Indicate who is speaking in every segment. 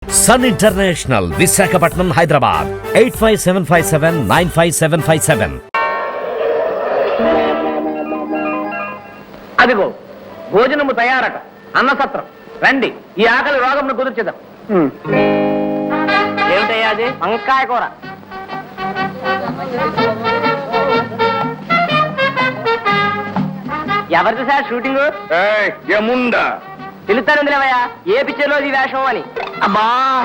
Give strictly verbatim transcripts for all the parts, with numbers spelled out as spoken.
Speaker 1: Sun International, Visakhapatnam, Hyderabad. Eight five seven five seven nine five seven five seven.
Speaker 2: అదిగో భోజనము తయారట, అన్నసత్రం. రండి, ఈ ఆకలి రోగంను కుదుర్చేద్దాం. ఏమిటయ్యా అది? వంకాయ కూర. ఎవరిది సార్ షూటింగ్?
Speaker 3: ఏముందా
Speaker 2: పిలుస్తాను లేవయ్యా, ఏ పిక్చర్లో ఈ వేషం అని. అబ్బా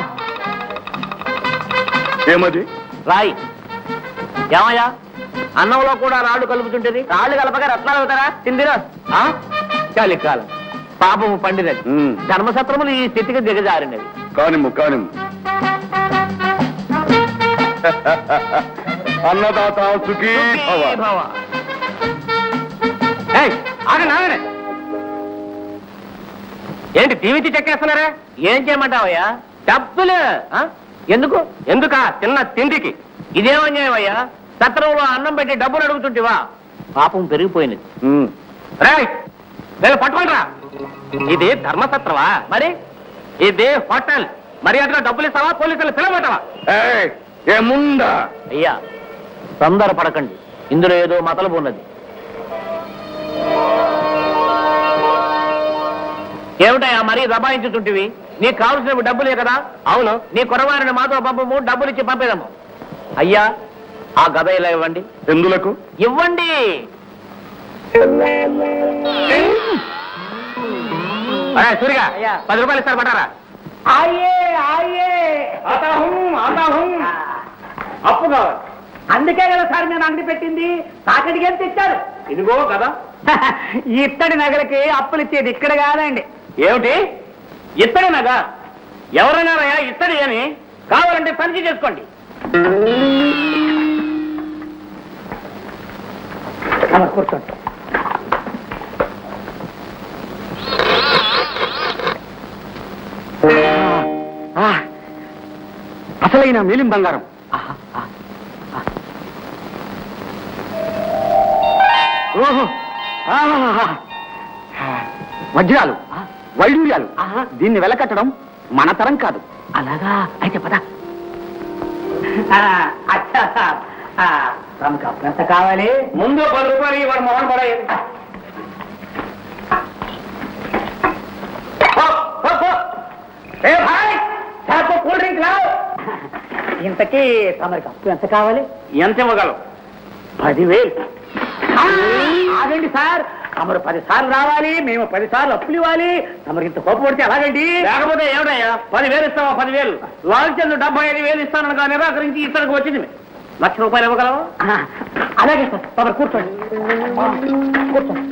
Speaker 3: ఏమది?
Speaker 2: రాయి. ఏమయ్యా, అన్నంలో కూడా రాళ్ళు కలుపుతుంటది, రాళ్ళు కలపగా రత్నాలు అవుతారా? తిందిరా. చలికాలం పాపము పండినది, ధర్మసత్రములు ఈ స్థితికి దిగజారినవి.
Speaker 3: కానిము కానిము. అన్నదాత సుఖీ భవ.
Speaker 2: ఆగండి ఆగండి. ఏంటి టీవీ చెక్కేస్తున్నారా? ఏం చేయమంటావయ్యా? డబ్బులు ఎందుకు? ఎందుకా? తిన్న తిండికి. ఇదేమన్యాయమయ్యా? సత్రంలో అన్నం పెట్టి డబ్బులు అడుగుతుంటివా? పాపం పెరిగిపోయినది. రైట్, నేను పట్టుకుంటా. ఇది ధర్మసత్రవా? మరి ఇది హోటల్. మరి అట్లా డబ్బులు ఇస్తావా? పోలీసులు పిలవమంటావా?
Speaker 3: ఏముందా?
Speaker 2: అయ్యా తొందర పడకండి, ఇందులో ఏదో మతలబు ఉన్నది. ఏమిటయా మరీ దబాయించుతుంటివి? నీకు కావలసినవి డబ్బులే కదా? అవును, నీ కొరవారిని మాతో పంపము, డబ్బులు ఇచ్చి పంపేదము. అయ్యా ఆ గద ఇలా ఇవ్వండి.
Speaker 3: ఎందులకు?
Speaker 2: ఇవ్వండి. సూరిగా పది రూపాయలు ఇస్తారు పట్టారా? అప్పు కావాలి. అందుకే కదా సార్ నేను అంగడి పెట్టింది. తాకడికి ఎంత ఇచ్చారు? ఇదిగో కదా. ఇత్తడి నగలకి అప్పులు ఇచ్చేది ఇక్కడ కాదండి. ఏమిటి ఇత్తడి నగ? ఎవరైనారయ్యా ఇత్తడి అని? కావాలంటే తనిఖీ చేసుకోండి. కూర్చోండి. అసలైన మేలిం బంగారం. ఓహో, వజ్రాలు, వైడూర్యాలు. దీన్ని వెలకట్టడం మన తరం కాదు. అలాగా? అయితే పద. తమకు అప్పు ఎంత కావాలి? ముందు పది రూపాయలు వాడు మొహన్ పడేది. కూల్ డ్రింక్ రావు. ఇంతకీ తమరికి అప్పు ఎంత కావాలి? ఎంత ఇవ్వగలవు? పదివేలు. ఆగండి సార్, తమరు పది సార్లు రావాలి, మేము పది సార్లు అప్పులు ఇవ్వాలి. తమరికి ఇంత కోపం పడితే అలాగండి. లేకపోతే ఏమిటయ్యా? పదివేలు ఇస్తావా? పదివేలు లాల్చంద్ డెబ్బై ఐదు వేలు ఇస్తానగా నిరాకరించి ఇతనికి వచ్చింది. లక్ష రూపాయలు ఇవ్వగలవా? అలాగే సార్. తమరు కూర్చోండి, కూర్చోండి.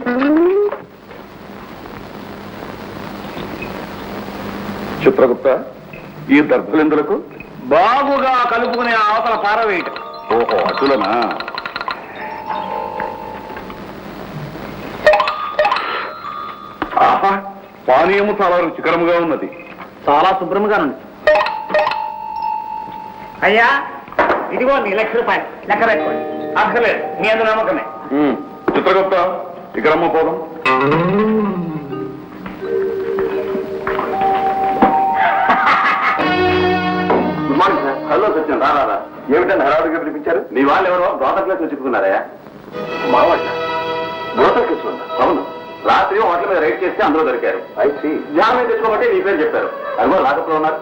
Speaker 3: చిత్రగుప్త, ఈ దర్భలెందులకు?
Speaker 2: బాగుగా కలుపుకునే అవతల పారవేయటం.
Speaker 3: ఓహో, అటులనా? ఆహా, పానీయము చాలా రుచికరముగా ఉన్నది.
Speaker 2: చాలా శుభ్రంగా ఉంది. అయ్యా ఇదిగో నీ లక్ష రూపాయలు లెక్క పెట్టుకోండి. అక్కర్లేదు, మీ అందు నమ్మకమే.
Speaker 3: చిత్రగుప్త, ఇక్కడ అమ్మ పోదాం. Good morning sir. Hello Satyam, రారా. ఏమిటంటే హడావుడిగా పిలిపించారు? నీ వాళ్ళు ఎవరో బ్రోతర్ క్లాస్ చెప్పుకున్నారా? మా వాళ్ళ బ్రోతర్ క్లాస్ ఉందా? అవును, రాత్రి హోటల్ మీద రైడ్ చేస్తే అందులో దొరికారు. అయితే జామీన్ తెచ్చుకోమంటే నీ పేరు చెప్పారు. అదిగో లాకప్లో ఉన్నారు.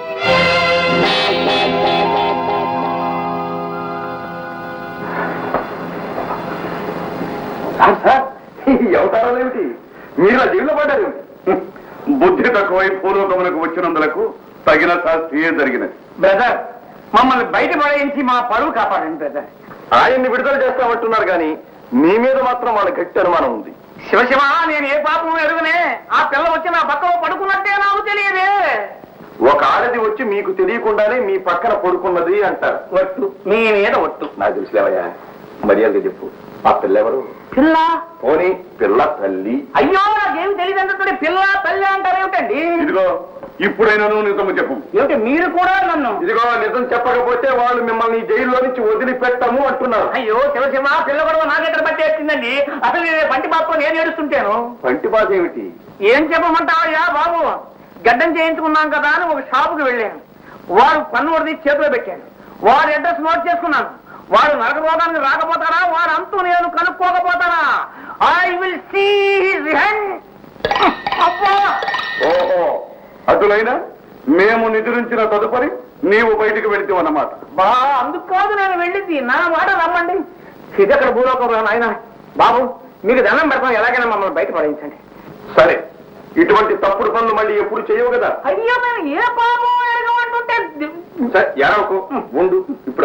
Speaker 3: ఎవతారాలు ఏమిటి? మీరు ఆ జీవిలో పడ్డారు. బుద్ధి తక్కువై పూర్వకములకు వచ్చినందులకు తగిన శాస్త్రీయే జరిగినది.
Speaker 2: బ్రదర్, మమ్మల్ని బయట పడేయించి మా పరువు కాపాడండి బ్రదర్.
Speaker 3: ఆయన్ని విడుదల చేస్తామంటున్నారు కానీ మీ మీద మాత్రం వాళ్ళ గట్టి అనుమానం ఉంది.
Speaker 2: శివశివ, నేను ఏ పాపం ఎరుగునే. ఆ పిల్ల వచ్చి నా పక్కన పడుకున్నట్టే నాకు తెలియదే.
Speaker 3: ఒక ఆడది వచ్చి మీకు తెలియకుండానే మీ పక్కన పడుకున్నది అంటారు.
Speaker 2: ఒట్టు, మీ మీద ఒట్టు.
Speaker 3: నాకు తెలుసులేవయ్యా, మర్యాదగా చెప్పు. ఆ పిల్ల ఎవరు?
Speaker 2: పిల్ల?
Speaker 3: పోనీ పిల్ల తల్లి.
Speaker 2: అయ్యో, నాకేమి తెలియదు అంటే పిల్ల తల్లి అంటారేమిటండి?
Speaker 3: ఇదిగో, ఇప్పుడైనా నువ్వు నిజము చెప్పు.
Speaker 2: ఏమిటి మీరు కూడా నన్ను?
Speaker 3: ఇదిగో, నిజం చెప్పకపోతే వాళ్ళు మిమ్మల్ని జైల్లో నుంచి వదిలిపెట్టము అంటున్నారు.
Speaker 2: అయ్యో శివశివ, పిల్ల కూడా నాకెక్కడ పట్టేసిందండి. అసలు నేను బంటి బాబు నేను ఏడుస్తుంటాను.
Speaker 3: పంటి బాధ ఏమిటి?
Speaker 2: ఏం చెప్పమంటావయ్యా బాబు? గడ్డం చేయించుకున్నాం కదా అని ఒక షాపుకి వెళ్ళాను. వాడు పన్ను వడిది చేతిలో పెట్టాడు. వాడు అడ్రస్ నోట్ చేసుకున్నాను. వాడు నరక రోగానికి రాకపోతారా, వాడు అంతూ నేను కనుక్కోకపోతారా? I will see his hand. అబ్బా!
Speaker 3: ఓహో, అటులైనా మేము నిద్రించిన తదుపరి నీవు బయటికి వెళితే అన్నమాట.
Speaker 2: బా అందుకు కాదు నేను వెళ్ళింది, నా మాట నమ్మండి. ఇది అక్కడ భూలోకం ఆయన. బాబు మీకు దండం పెడతాం, ఎలాగైనా మమ్మల్ని బయట పడేయించండి.
Speaker 3: సరే, ఇటువంటి తప్పుడు పనులు మళ్ళీ ఎప్పుడు చేయవు కదా.
Speaker 2: అయ్యో మేము ఏ పాపం ఎరగమంటుంటే.
Speaker 3: సరే, ఎరవకు, ఉండు ఇప్పుడు.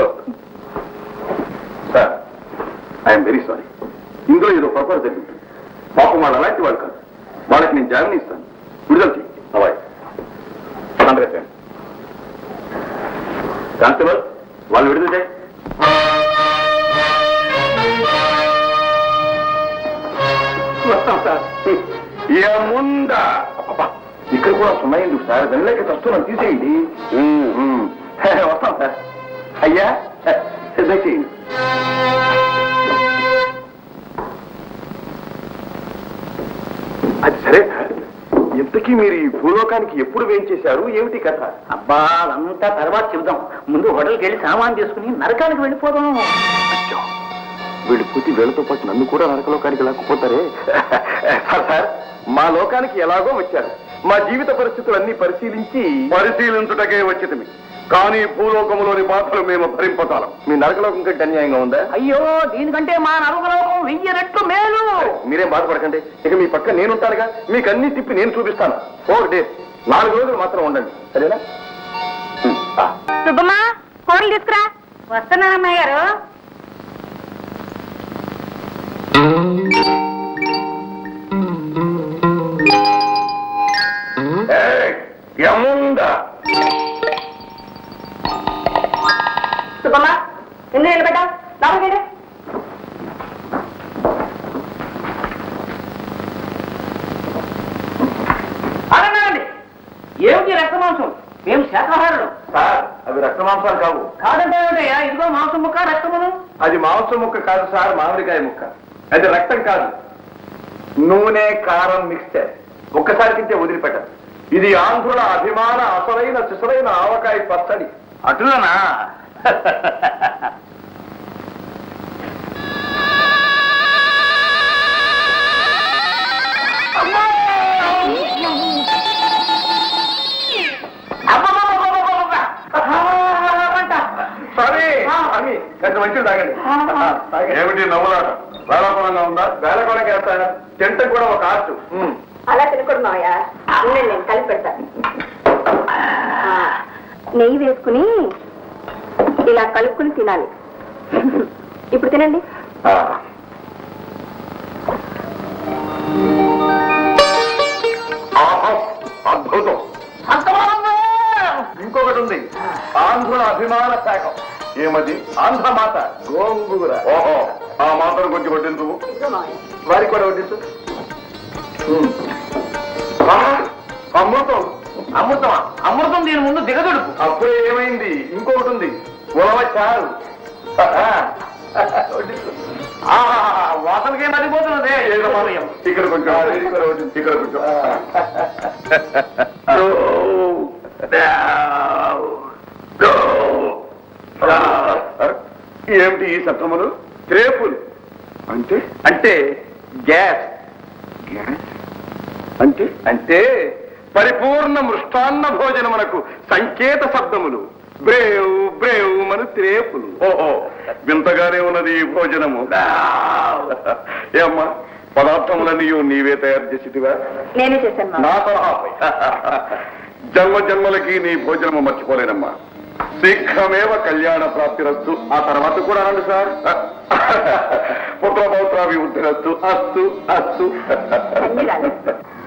Speaker 3: Sir, I'm very sorry. ఇందులో ఏదో పొరపాటు జరిగింది. పాపం వాళ్ళు అలాంటి వాళ్ళు కాదు. వాళ్ళకి నేను జామీన్ ఇస్తాను, విడుదల చెయ్యి. అవాయ్ కానిస్టేబుల్, వాళ్ళు విడుదల చేయి. వస్తాం సార్. ఏముందా ఇక్కడ కూడా సున్నా ఎందుకు సార్? వెళ్ళలేక వస్తున్నాం, తీసేయండి. వస్తాం సార్. అయ్యా దయచేయండి. అది సరే సార్, ఇంతకీ మీరు ఈ భూలోకానికి ఎప్పుడు వేయించేశారు? ఏమిటి కథ?
Speaker 2: అబ్బా అదంతా తర్వాత చెబుదాం. ముందు హోటల్కి వెళ్ళి సామాన్ తీసుకుని నరకానికి వెళ్ళిపోదాం.
Speaker 3: అచ్చా, వెళ్ళిపోతే వీళ్ళతో పాటు నన్ను కూడా నరకలోకానికి లాక్కుపోతారే. సార్ సార్, మా లోకానికి ఎలాగో వచ్చారు. మా జీవిత పరిస్థితులన్నీ పరిశీలించి పరిశీలించుటకే వచ్చింది. కానీ భూలోకములోని బాధలు మేము భరింపతాలం. మీ నరకలోకం కంటే అన్యాయంగా ఉందా?
Speaker 2: అయ్యో, దీనికంటే మా నరకలోకం వెయ్యి రెట్లు మేలు.
Speaker 3: మీరేం బాధపడకండి. ఇక మీ పక్క నేనుంటానుగా. మీకు అన్ని తిప్పి నేను చూపిస్తాను. ఫోర్ డేస్, నాలుగు రోజులు మాత్రం ఉండండి, సరేనా?
Speaker 4: సుబ్బమ్మా, కూరలు తీసుకురా. వస్తున్నానమ్మాయి గారు.
Speaker 3: ఏముందా?
Speaker 4: సుబ్బమ్మా, ఎందుకు నిలబడ్డా? రావగండి.
Speaker 2: అడగండి, ఏమిటి రక్త మాంసం? మేము శాకాహారులు.
Speaker 3: సార్, అవి రక్త మాంసాలు కావు.
Speaker 2: కాదంటే ఏమిటయ్యా? ఇదిగో మాంసం ముక్క, రక్తమును.
Speaker 3: అది మాంసం ముక్క కాదు సార్, మామిడికాయ ముక్క. అది రక్తం కాదు, నూనె కారం మిక్స్చర్. ఒక్కసారి తింటే వదిలిపెట్టదు. ఇది ఆంధ్రుల అభిమాన అసలైన సిసలైన ఆవకాయ పచ్చడి.
Speaker 2: అటులనా?
Speaker 3: సరే అని కొంచెం మంచిది తాగండి. ఏమిటి నవ్వులాట? వేళకోళంగా ఉందా? వేళకోళంగా వేస్తాను. తింటం కూడా ఒక ఆర్ట్.
Speaker 4: అలా తినకూడదు మావయ్య. ఉండండి, నేను కలిపి పెడతాను. ఆ, నెయ్యి వేసుకుని ఇలా కలుపుకుని తినాలి. ఇప్పుడు తినండి.
Speaker 3: అద్భుతం. ఇంకొకటి ఉంది, ఆంధ్రుల అభిమాన శాఖం. ఏమది? ఆంధ్ర మాత గోంగూర. ఓహో, ఆ మాతను కొంచెం వడ్డించు.
Speaker 4: ఇదిగో మావయ్య.
Speaker 3: వారికి కూడా వడ్డించు. అమృతం.
Speaker 2: అమృతమా? అమృతం దీని ముందు దిగదుడుపు.
Speaker 3: అప్పుడే ఏమైంది? ఇంకొకటి ఉంది, ఉలవ చారు.
Speaker 2: వాసనకే మరిపోతున్నదే.
Speaker 3: ఇక్కడ కొంచెం, ఇక్కడ కొంచెం. ఏమిటి ఈ శబ్దములు? రేపులు అంటే? అంటే గ్యాస్. గ్యాస్ అంటే? అంటే పరిపూర్ణ మృష్టాన్న భోజనమునకు సంకేత శబ్దములు. బ్రేవ్ బ్రేవ్ మన త్రేపులు. ఓహో, వింతగానే ఉన్నది ఈ భోజనము. ఏమ్మా, పదార్థములన్నీ నీవే తయారు చేసిటివా?
Speaker 4: నేనే చేశాను మావయ్య.
Speaker 3: నా సలహాపై జన్మ జన్మలకి నీ భోజనము మర్చిపోలేనమ్మా. శీఘ్రమేవ కళ్యాణ ప్రాప్తిరస్తు. ఆ తర్వాత కూడా అనండి సార్. పుత్రపౌత్రాభివృద్ధిరస్తు. అస్తు అస్తు.
Speaker 4: అన్ని రాలేదు.